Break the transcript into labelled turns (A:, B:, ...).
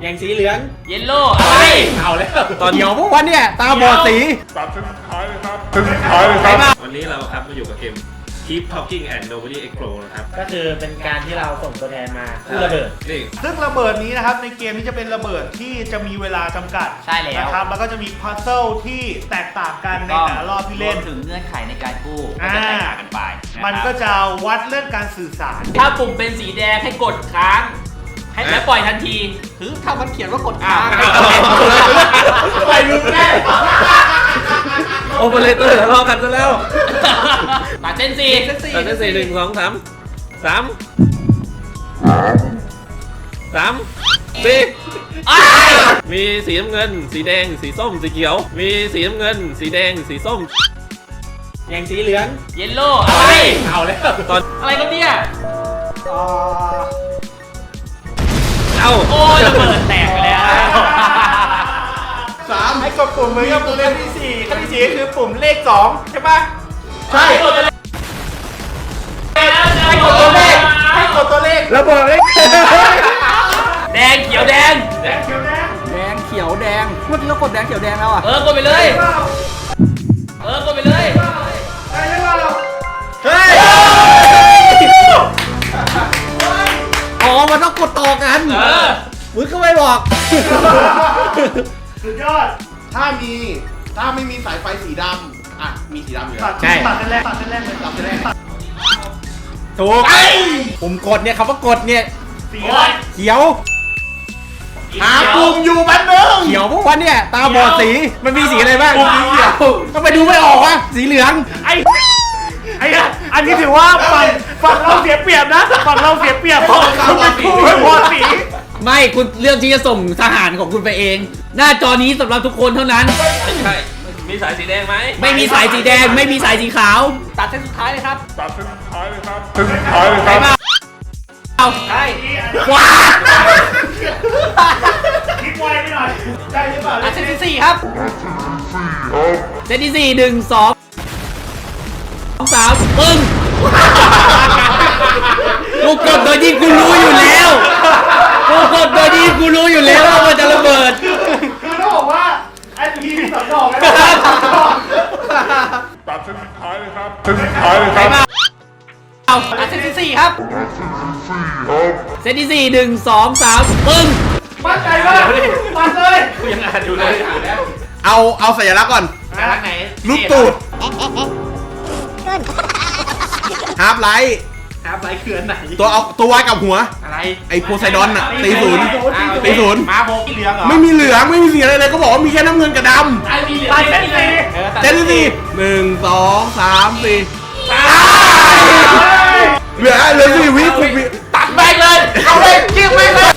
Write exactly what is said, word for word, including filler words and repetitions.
A: อย่างสีเหลือง
B: เยลโล่อะไรเอาแล้วตอน
A: เดี๋ยวพวกวันเนี่ยตาบอดสี
C: ตัดเส้นสุดท้ายเลยครับเส้นสุดท้ายเลยครับ
D: วันนี้เราครับมาอยู่กับเกม Keep Talking and Nobody Explode นะครับ
A: ก็คือเป็นการที่เราส่งตัวแทนมาคู่ระเบิด
D: นี่
E: ซึ่งระเบิดนี้นะครับในเกมนี้จะเป็นระเบิดที่จะมีเวลาจำกัด
B: ใช่แล้ว
E: นะครับแล้วก็จะมีพัซเซิลที่แตกต่างกันในแต่ละรอบที่เล่น
B: ถึงเงื่อนไขในการกู้ก็จะแตกต่างกันไป
E: มันก็จะวัดเรื่องการสื่อสาร
B: ถ้าปุ่มเป็นสีแดงให้กดค้างให้แล้วปล่อยทันทีคือถ้ามันเขียนว่ากดค้างปล่อยมึงแน่
D: โอเปอเรเตอร์ทะเลาะกันซะแล้ว
B: ตัดเส้นสี่
D: ตัดเส้นสี่หนึ่งสองสามสามสามสี่มีสีน้ำเงินสีแดงสีส้มสีเขียวมีสีน้ำเงินสีแดงสีส้ม
A: อย่างสีเหลือง
B: เยลโล่อะไร
A: เอาแล้ว
B: ตอนอะไรกันเนี่ย
D: เอา
B: โอ้ยระเบิดแตกไปแล้ว
E: สามให้กดปุ่มเหมือนกับปุ่มเลขที่สี่ขั้นที่สี่คือปุ่มเลขสองใช่ปะ
A: ใช่
E: ให้กดตัวเลขให้กดตัวเลข
A: ระเบิดเลข
B: แดงเขียวแดง
E: แดงเขียวแดง
A: แดงเขียวแดงเมื่อกี้เรากดแดงเขียวแดงแล้วอ่ะ
B: เออกดไปเลยเออกดไปเลย
E: ใช่หรือเปล่า
A: เฮ้ยอ๋อมันต้องกดต่อกัน
B: เออ
A: มึงก็ไม่บอก
E: สุดยอด
F: ถ้ามีถ้าไม่มีสายไฟสีดำอ่ะมีสีดำอยู่แล้ว
E: ใช่ตัดเส้นแรกตัดเส้นแรกเลยตัดเส้นแรก
A: ถูกผมกดเนี่ยคำว่ากดเนี่ย
E: สีอะไร
A: เขียว
F: หาปุ่มอยู่แป๊บนึง
A: เขียวพวกวันเนี่ยตาบอดสีมันมีสีอะไรบ้าง
F: ปุ่มเขียว
A: ทำไมดูไม่ออกวะสีเหลือง
E: ไอ้ไอ้อันนี้ถือว่าฝั่งฝั่งเราเสียเปรียบนะฝั่งเราเสียเปรียบเพราะคุณเป็นคู่ไม่พอสี
B: ไม่คุณเลือกที่จะส่งทหารของคุณไปเองหน้าจอนี้สำหรับทุกคนเท่านั้น
D: ไม่ใช่มีสายสีแดงไหม
B: ไม่มีสายสีแดงไม่มีสายสีขาวตัดเส้นสุดท้ายเลยครับ
C: ตัดเส้นสุดท้ายเลยครับเส้นสุดท้ายเลยครับ
B: เอาใช่
E: ว้าคิดไวไปหน่อยได้หรือเปล่า
B: เส้นที่สี่ครับเส้นที่สี่หนึ่งสองสามปึ้งกูกดโดยที่กูรู้อยู่แล้วกูกดโดยที่กูรู้อยู่แล้วว่ามันจะระเบิด
E: คือต้องบอกว่าไอ้ทีมีสองดอกนะ
C: ตัดเส้นสุดท้ายเลยครับเส้นสุดท้ายเลยครับ
B: เอาเส้นที่สี่ครับเส้นที่สี่หนึ่งสองสามปึ้ง
E: มั่นใจมากมั่นเลย
D: กูยังอ่านอยู่เลย
F: เอาเอาสัญลักษณ์ก่อน
B: สัญลักษณ์ไหน
F: รูปตูดฮาร์ปไลท์
B: ฮาร์ปไลท์คืออันไหน
F: ตัวเอาตัววายกับหัว
B: อะไร
F: ไอโพไซดอนอะตีศูนย์ตีศูนย์
B: มาโบกี้เหลืองเหรอ
F: ไม่มีเหลืองไม่มีสีอะไรเลยก็บอกว่ามีแค่น้ำเงินกับดำ
B: ไอมีเหลืองเส้นสี่
F: เส้นสี่หนึ่งสองสามสี่เหลือเหลือสี่วิคุวิ
B: ตัดแม่งเลยเอาเลยจิ้มแม่งเลย